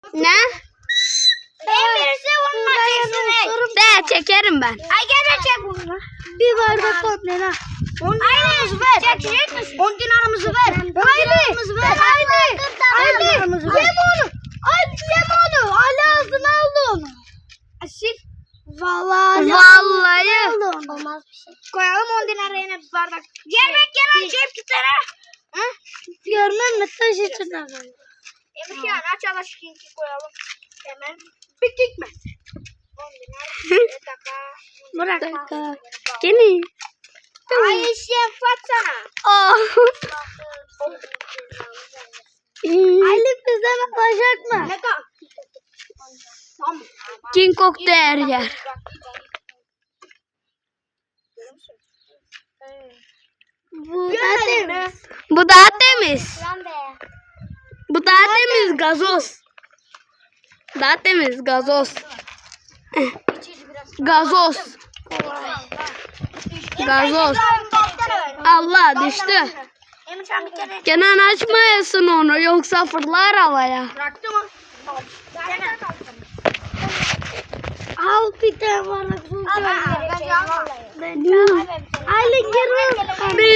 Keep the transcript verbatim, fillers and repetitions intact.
Ne? En birisi onunla çeksin. De çekerim ben. Ay gel de çek bunu. Bir bardak komple ha. on dinarımızı ver. Çekecek misin? on dinarımızı ver. Haydi. ver. Haydi. Haydi. Yeme onu. Haydi yeme onu. Ali ağzına aldı onu. Asil. Vallahi. Ali Vallahi. ağzına aldı onu. Olmaz bir şey. Koyalım on dinara yine bir bardak. Gel bak gel aç hep kitara. Hı? Görmem mi? Taş içine koy. Emirkan aç alaşkinki koyalım. Hemen. Bittik mi? on dinar. Bir dakika. Bırak. Dakika. Gene. Ay işe fatsana. Oh. Ali bizden alacak mı? Ne kal? Tamam. King Kong der yer. Bu da temiz. Bu daha temiz. Lan be. Bu daha temiz gazoz. Daha temiz gazoz. Gazoz. Gazoz. Allah düştü. Emircan bir kere Kenan açmayasın onu yoksa fırlar havaya. bıraktı mı? Tamam. Al bir tane bardak su. Ben Ali gir. Bir